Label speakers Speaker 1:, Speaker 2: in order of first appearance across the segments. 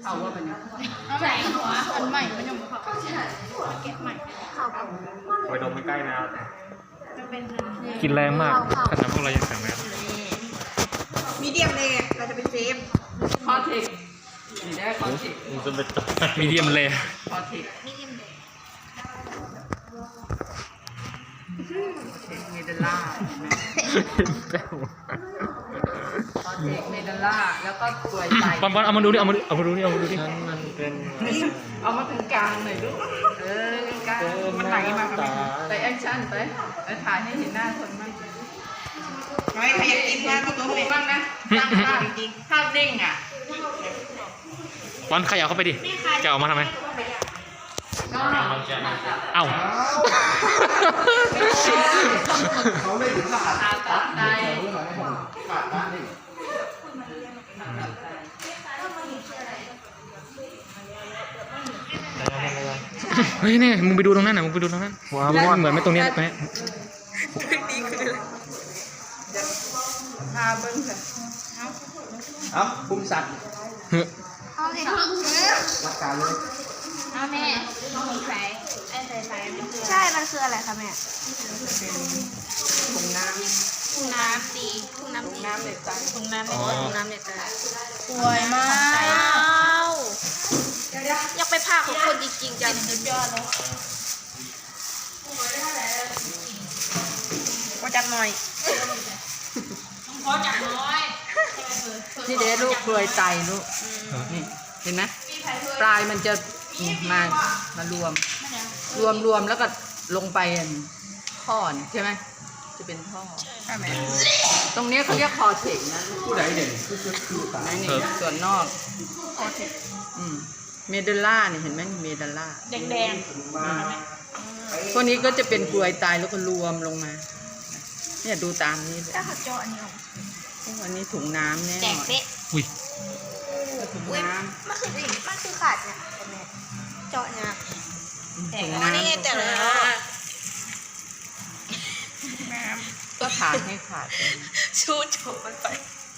Speaker 1: เอาว่าเป็น
Speaker 2: เอาใหม่หัวอันใหม่มันยังเขาแกะใหม่
Speaker 3: ไปดมใกล้ๆนะครับ
Speaker 2: จะเป็น
Speaker 3: กินแรงมากขนาดพวกเรายังแข็งแรง
Speaker 4: มีเดียมเลยเราจะเป็นเซฟ
Speaker 1: คอเทคนี่ได้คอเทค
Speaker 3: มันจะเป็นมีเดียมเลย
Speaker 1: คอเทค
Speaker 2: มีเดียมเด็ก
Speaker 1: เทคเมดัลล่าคอเทคเมดัลล่าแล้วก็กล้วยไต
Speaker 3: บอลเอามาดูดิเอามาดูดิมันเป็น
Speaker 1: เอามาถึงกลางหน่อยลูกกลางมันไหลมาครับไปแอคชั่นไปถ่ายให้เห็นหน้าคนบ้าง
Speaker 4: ใครอยากกินนะก็ตัว
Speaker 1: ดู
Speaker 4: เล็ก
Speaker 1: บ้างนะตั้งภาพจริงภาพเด้งอ่ะ
Speaker 3: บอลขยับเข้าไปดิจะออกมาทำไมเอ้า
Speaker 5: เขาไม่ถึงขนาด
Speaker 1: ตัดใจ
Speaker 5: ขาดนะนี่
Speaker 3: เฮ้ยนี่มึงไปดูตรงนั้นนะมึงไปดูตรงนั้นว้าวเหมือนไหมตรงนี้ไหม
Speaker 1: พาเบิ้งเถอะ
Speaker 5: ครับคุมสัตว์
Speaker 2: เอาเลย
Speaker 5: หลักการเลย
Speaker 2: เอาแม่ใส่ไอ้ใส่ใช่มันคืออะไรคะแม่
Speaker 1: ถุงน้ำ
Speaker 2: ถุงน้ำดีถุงน้ำดี
Speaker 1: น้ำเด็ดใจ
Speaker 2: ถุงน้ำถุงน้ำเนี่ยสวยมากอยากไปพาของคนจริงๆจังสุดยอดเลย
Speaker 4: ก็จัดหน่อย
Speaker 2: พอจับน้อย
Speaker 1: นี่เด้ลูกกล้วยไตลูกนี่เห็นไหมปลายมันจะมารวมแล้วก็ลงไปท่อนี่ใช่ไหมจะเป็นท่อใช่ไหมตรงนี้เขาเรียกคอเทคนะ
Speaker 5: ผู้ใดเด่นคือตา
Speaker 1: นี่ส่วนนอกเมดัลล่าเนี่ยเห็นไหมเมดัลล่า
Speaker 2: แดง
Speaker 1: พวกนี้ก็จะเป็นกลวยตายแล้วก็รวมลงมาเนี่ยดูตามนี้เลย
Speaker 2: ถ้าขัดจออันนี้ออก
Speaker 1: อันนี้ถุงน้ำแน่
Speaker 2: แดงเป๊ะ
Speaker 3: อุ้ย
Speaker 1: ถุง
Speaker 2: อุ้ย
Speaker 1: น้
Speaker 2: มันคือขาดเนี่ยเจาะเนี่ย
Speaker 1: ำถุง
Speaker 2: อันนี้ไง
Speaker 1: น้ำ
Speaker 2: แต่ละ
Speaker 1: ก็ขาดให้ขาด
Speaker 2: ชูดโฉบมันไป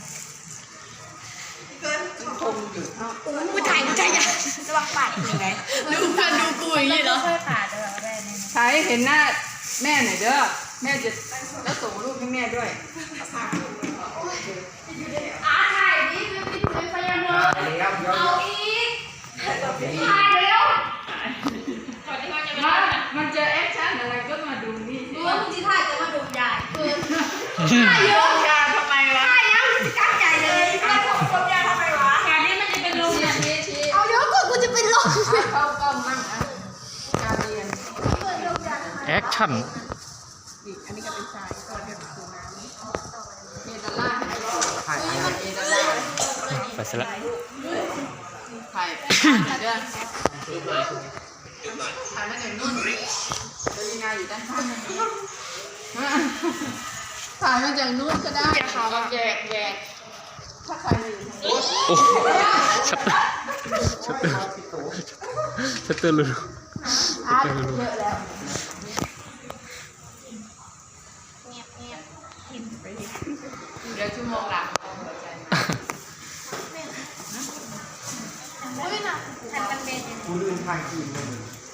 Speaker 1: คงอยู่เอ้า
Speaker 2: ผู้ชายอ่ะระวังปาดอีกไหมดูเพื่อนดูกูอย่างนี้เหรอค่อยปาดเลยแม่เนี่ย
Speaker 1: ใช้เห็นหน้าแม่หน่อยเด้อแม่จะแล้วส่งรูปให้แม่ด้วย
Speaker 2: ถ่ายนี่คือพยายาม
Speaker 5: แล้วเดี๋ยว
Speaker 2: เอาอีกถ่ายเร็ว
Speaker 1: มันจะแอคชั่นอะไรก็มาดูนี่สิ
Speaker 2: ดูว่ามึงจะถ่ายจะมาดูใหญ่คือ
Speaker 1: ถ่ายเยอะการทำไมวะ
Speaker 2: ถ่ายยังจะกั้งใหญ่เลยถ่ายของคนใหญ่ทำไมวะ
Speaker 1: แค่นี้มันจะเป็นลมอย่างนี้ชี้
Speaker 2: เอาเยอะกว่ากูจะเป็นลม
Speaker 1: เข้ากล้องมั่งอ่ะการเรียน
Speaker 3: แอคชั่น
Speaker 1: อีกอันนี้ก็เป็นทรายก็เรียกคือน้ำเมดัลล่า
Speaker 5: ถ่าย
Speaker 1: เมดัลล่า
Speaker 3: ไปซะละ
Speaker 1: ถ่ายเด้อถ่ายมาอย่างนู้นจะยังไงอยู่ด้านข้างถ่ายมาจากนู้นก็ได้ค่ะแยกถ้าใครอยู่
Speaker 3: โอ้ชัตเตอร์ชัตเตอร์ชัตเตอร์เลยชัตเตอร์เลย
Speaker 2: เยอะแล้วเงียบเงียบกินไปดิ
Speaker 1: เดี๋ยวชั่วโมงหลังเอาหัวใจ
Speaker 2: อุ้ยนะแผ่นมันเป็นยังไง
Speaker 5: ผู้ลื่นทางคืนเลย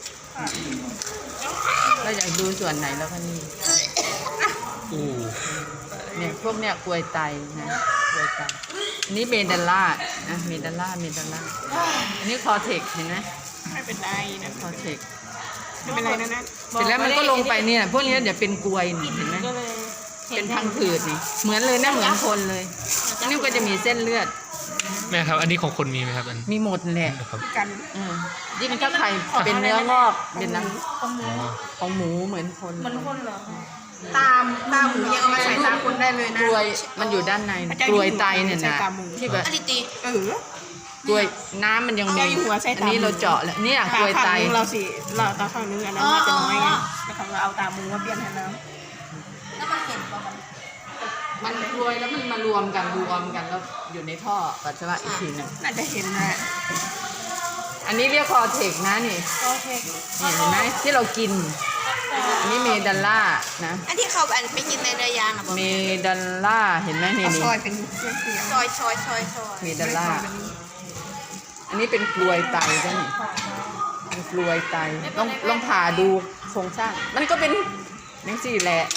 Speaker 1: เราอยากดูส่วนไหนแล้วก็นี่
Speaker 3: โอ้
Speaker 1: เนี่ยพวกเนี่ยกลวยไตนะกลวยไตอันนี้เมดัลล่านะเมดัลล่าอันนี้คอเทคเห็นไหม
Speaker 4: ไม่เป็นไรนะ
Speaker 1: คอเทค
Speaker 4: ไม่เป็นไรนะนะ
Speaker 1: เสร็จแล้วมันก็ลงไปเนี่ยพวกนี้เดี๋ยวเป็นกลวยนี่เห็นไหม
Speaker 4: ก็เลย
Speaker 1: เป็นพังผืดนี่เหมือนเลยนะเหมือนคนเลยอันนี้ก็จะมีเส้นเลือด
Speaker 3: แม่ครับอันนี้ของคนมีไหมครับอัน
Speaker 1: มีหมดแหละ
Speaker 3: ครับ
Speaker 4: กัน
Speaker 1: ยิ่งถ้าใครเป็นเนื้องอกเป็นน้
Speaker 3: อ๋อ
Speaker 1: ำของหมูเหมือนคน
Speaker 2: มันคนเหรอ
Speaker 4: ตามหมูยังเอามาใส่ตาคนได้เลยนะ
Speaker 1: กลวยมันอยู่ด้านในกลวยไตเนี่ยนะที่แบบ
Speaker 2: อดิตี
Speaker 4: เออก
Speaker 1: ลวยน้ำมันยังมี
Speaker 4: เจ้าอยู่หัวใส่ตา
Speaker 1: อันนี้เราเจาะแล้วเนี่ยกลวยไต
Speaker 4: ข้างนึงเราสิเราตาข้างนึงอันนั้นมันจะน้อยไงแล้วเขาก็เอาตาหมูมาเปลี่ยนให้เรา
Speaker 2: แล้วมันเห็นป่ะมัน
Speaker 1: มันกลวยแล้วมันมารวมกันแล้วอยู่ในท่อปัสสาวะอีกทีหนึง
Speaker 4: น่าจะเห็นนะ
Speaker 1: อันนี้เรียกคอเทคนะนี่
Speaker 2: โอเค
Speaker 1: นี่เห็นไหมที่เรากินอันนี้เมดัลล่านะ
Speaker 2: อันที่เขาไปกินในเรือยางนะบอก
Speaker 1: เมดัลล่าเห็นไหมนี่
Speaker 4: เอา
Speaker 1: นี่
Speaker 4: ซอยเป็นเสี้ย
Speaker 2: ซอย
Speaker 1: เมดัลล่า
Speaker 4: ๆ
Speaker 1: อันนี้เป็นกลวยไตจ้ะนี่เป็นกลวยไตลองผ่าดูโครงสร้างมันก็เป็นนังสี่แหละ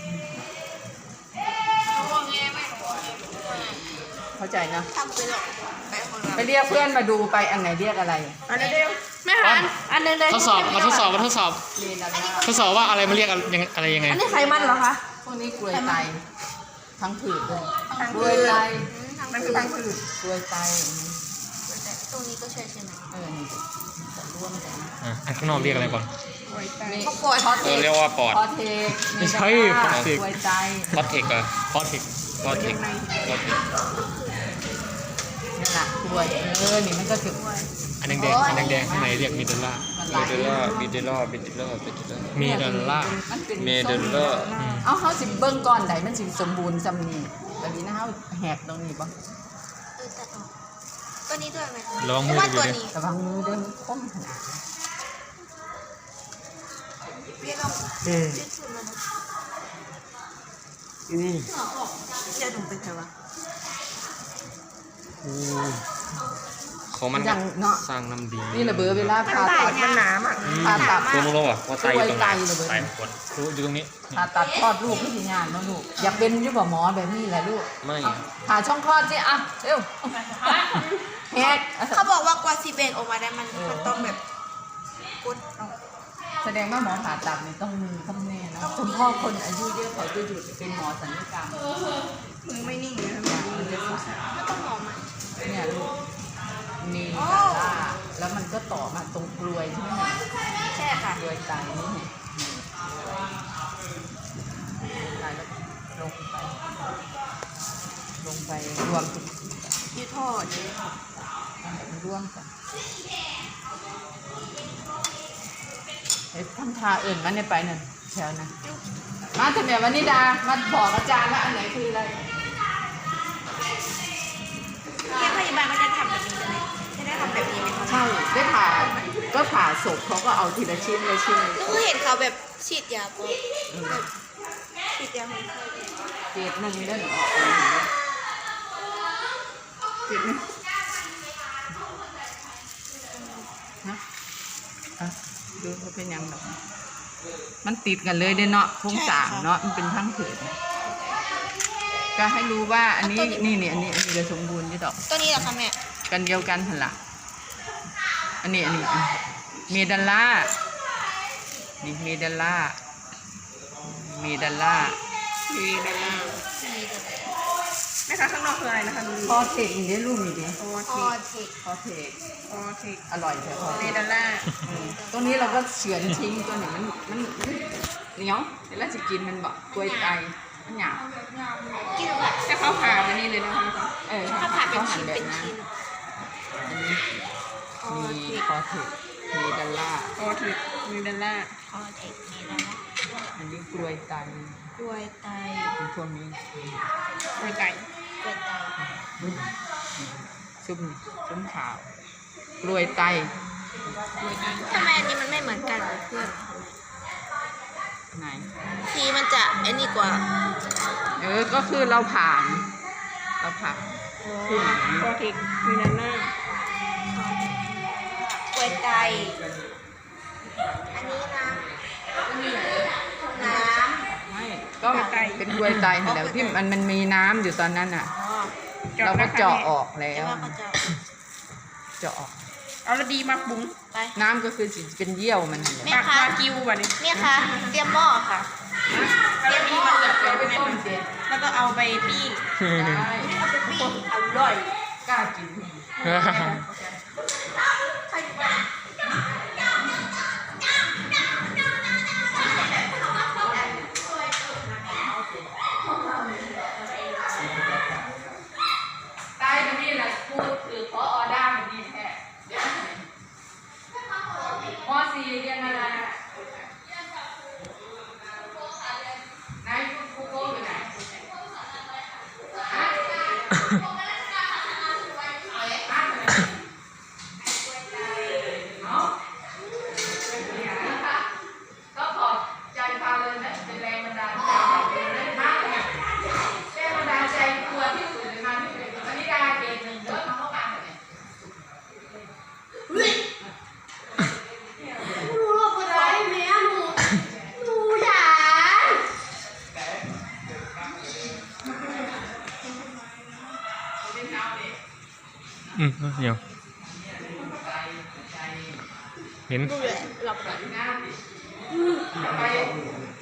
Speaker 1: เข้าใจนะ
Speaker 2: ทำไปหรอกไปของเรา
Speaker 1: ไปเรียกเพื่อนมาดูไปอันไหนเรียกอะไร
Speaker 4: อันนี้เดียว
Speaker 2: ไม่หันอันนึงเลย
Speaker 3: ทดสอบมาทดสอบทดสอบว่าอะไรมันเรียกอะไรยังไง
Speaker 4: อันนี้ไขมันเหรอคะ
Speaker 1: พวกนี้กลวยไตทั้งผืดเลยกลวยไต
Speaker 4: มันคือพังผืด
Speaker 1: กลวยไต
Speaker 2: ตรงนี้ก็ใช่ใช่ไหม
Speaker 1: นี่จะร่วมกัน
Speaker 3: อันข้างนอกเรียกอะไรก่อน
Speaker 1: นี่
Speaker 2: เขาปวด
Speaker 1: พอเทค
Speaker 3: เรียกว่าปอด
Speaker 1: พอเทค
Speaker 3: ไม่ใช่
Speaker 1: พอ
Speaker 3: พอเทค
Speaker 1: กลวยไต
Speaker 3: พอเทคเหรอพอเทค
Speaker 1: นี่แหละกลวยนี่มันก็คือกลวย
Speaker 3: อันแดงอันแดงข้างในเรียกมิเดลล่า
Speaker 1: มันหลาย
Speaker 3: มิเดลล่ามิเดลล่า
Speaker 1: มันเป็น
Speaker 5: เมเดลเลอร์
Speaker 1: เอาเขาสิเบิ้งก่อนใดมันสิสมบูรณ์จำนี่แบบนี้นะเขาแหกตรงนี้ป่ะ
Speaker 2: ตัดออกตัวนี้ด้วยไหม
Speaker 3: ลองมือ
Speaker 2: ว่า
Speaker 3: ดู
Speaker 2: ตัว
Speaker 3: ดิ
Speaker 2: นี้
Speaker 1: ระวังมือเดินคมขนาด
Speaker 2: เรียกเอาเรียกสุดมัน
Speaker 5: นี่
Speaker 4: จะถุงเป็นไงวะ
Speaker 3: ของมัน
Speaker 1: อย่างเนาะ
Speaker 3: สร้างน้ำดี
Speaker 1: นี่ระเบิดเวลาผ่าตัด
Speaker 4: มันหนาอ่ะ
Speaker 1: ผ่าตัด
Speaker 3: ตัวมึงรู้ป่ะว่าไตอยู่ตรงไหน
Speaker 1: ไตระเบิด
Speaker 3: ไตปวดรู้อยู่ตรงนี้
Speaker 1: ผ่าตัดคลอดลูกที่งานเนาะลูกอยากเป็นอยุบหมอแบบนี้แหละลูก
Speaker 3: ไม่
Speaker 1: ผ่าช่องคลอดสิอ่ะเร็วแหก
Speaker 2: เขาบอกว่ากว่าซีเบนออกมาได้มันต้องแบบกดเอา
Speaker 1: แสดงว่าหมอผ่าตัดนี่ต้องมือต้องแน่นะคุณพ่อคนอายุเยอะเขาจะหยุดเป็นหมอศัลยกรรม
Speaker 4: มึงไม่นิ่งเลยนะ
Speaker 1: มันจะสั่น
Speaker 2: ไม่ต้องหอมอ่ะ
Speaker 1: เนี่ยลูกนี่
Speaker 2: โอ้
Speaker 1: ล่าแล้วมันก็ต่อมาตรงกลวยใช่ไหมเนี่ย
Speaker 2: ใช่ค่ะ
Speaker 1: กลวยไตนี่ไงไตแล้วลงไปรวมกัน
Speaker 2: ยืดทอด
Speaker 1: ร่วมกันเฮ้ยทำทาอื่นมาเนี่ยไปหนึ่งแถวนะมาถึงแบบวันนี้ดามาบอกอาจารย์ว่าอันไหนคืออะไร
Speaker 2: เรียกพยาบาลก็จะทำแบบนี้เลยจะได้ทำแบบนี้ไหมคะ
Speaker 1: ใช่ได้ผ่าก็ผ่าศพเขาก็เอาทีละชิ้นละชิ้น
Speaker 2: ก็คือเห็นเขาแบบฉีดยาปุ๊บแบบฉีดยาคนไข้
Speaker 1: เกรดหนึ่งเล่นออกเลยเกรดหนึ่งนะอ่ะดูเขาเป็นยังดอกมันติดกันเลยเด้เนาะโครงสร้างเนาะมันเป็นทั้งผืนก็ให้รู้ว่าอันนี้นี่อันนี้จะสมบูรณ์ที่ดอก
Speaker 2: ตัวนี้เหรอคะแม่
Speaker 1: กันเดียวกันหันละอันนี้เมดัลล่านี่เมดัลล่า
Speaker 4: มีดอลลาร์แม่คะข้างนอกคืออะไรนะคะ
Speaker 1: พอเทคอีกได้รูปอีกดิ
Speaker 4: โอ
Speaker 2: พ
Speaker 4: เท
Speaker 2: อ
Speaker 4: ค
Speaker 2: เทค
Speaker 1: พอเทค
Speaker 4: โอเทค
Speaker 1: อร่อยแท้พอเท
Speaker 4: เม
Speaker 1: ค
Speaker 4: ดอลลาร์
Speaker 1: ตรงนี้เราก็เฉือนทิ้งตัวนี้มันเหนียวเดี๋ยวเราจะกินมันบอกกล้วยไตมันหยาบ
Speaker 2: กินแบบ
Speaker 4: แต่เขาผ่ามานี่เลยนะคะ
Speaker 2: ถ้าผ่าเป็น
Speaker 1: เขาหั่
Speaker 2: ชิ้น
Speaker 1: แบบ
Speaker 2: เป็น
Speaker 1: นั้น
Speaker 2: ชิ้น
Speaker 1: อันนี้มีพอเทคเมดัลล่า
Speaker 4: โอเทคมีดอลลาร์
Speaker 2: พอเทคนี่แล้วนะ
Speaker 1: อันนี้กล้วยไต
Speaker 2: กล้วยไต
Speaker 1: เป็นพวกนี้
Speaker 4: กล้วยไก่
Speaker 2: กล้วยไต
Speaker 1: ชุ่มขาวกล้วยไต
Speaker 2: ทำไมอันนี้มันไม่เหมือนกันกับเพื่อน
Speaker 1: ไหน
Speaker 2: สีมันจะไอ้นี่กว่า
Speaker 1: ก็คือเราผ่าน
Speaker 4: โอเทคมีดอลลาร์
Speaker 2: กล้วยไตอันนี้นะน้ำ
Speaker 1: ไม่ก็เป็นกล้วยไตนั่นแหละที่มันมีน้ำอยู่ตอนนั้นอ่ะ
Speaker 2: อ๋อ
Speaker 1: เราก็เจาะออกแล้
Speaker 2: แล้ว
Speaker 1: ว
Speaker 2: ก็จะ
Speaker 1: เจาะออก
Speaker 4: เอาละดีมาบุ้ง
Speaker 2: ไป
Speaker 1: น้ำก็คือสิเป็นเยี่ยวมันนั่นแหละ
Speaker 2: แม่
Speaker 4: ปาก
Speaker 2: คะ
Speaker 4: วากิวว่ะนี่
Speaker 2: เนี่ยค่ะเตรียมหม้อค่ะ
Speaker 4: เอาละดีมาเกิดไปในถุงแล้วก็เอาไปปิ้ง
Speaker 1: ได้
Speaker 2: เอาไปปิ้ง
Speaker 4: อร่อย
Speaker 1: กล้ากินใต้ตรงนี้แหละพูดคือพออด้าแบบนี้แท้พอสี่เรียนอะไรไหนครูโก้อยู่ไหน
Speaker 3: เดี๋ยวเห็น
Speaker 2: ดูเลยหลับ